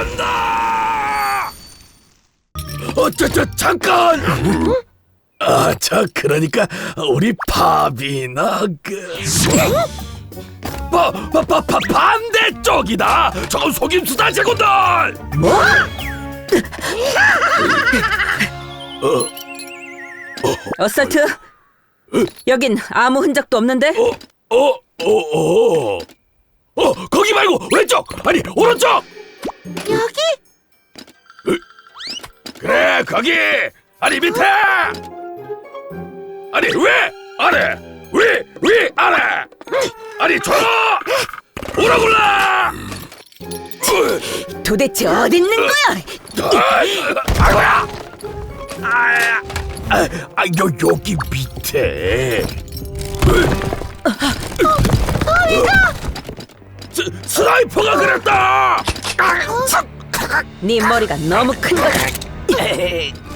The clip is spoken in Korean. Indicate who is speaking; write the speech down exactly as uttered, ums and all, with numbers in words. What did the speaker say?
Speaker 1: 간다! 어, 저, 저, 잠깐! 아, 저, 그러니까, 우리 밥이나, 그... 바, 바, 바, 바, 반대쪽이다! 저건 속임수다, 제군들! 뭐?
Speaker 2: 어설트, 여긴 아무 흔적도 없는데?
Speaker 1: 어, 어, 어, 어, 어, 거기 말고 왼쪽! 아니, 오른쪽!
Speaker 3: 여기?
Speaker 1: 그래, 거기! 아니, 밑에! 아니, 위! 아래! 위! 위! 아래! 아니, 저! 오라굴라!
Speaker 2: 도대체 어디 있는 거야?
Speaker 1: 아이고야! 아, 아, 아, 여, 여기 밑에. 스, 스나이퍼가 그랬다!
Speaker 2: 네 머리가 너무 큰 거다.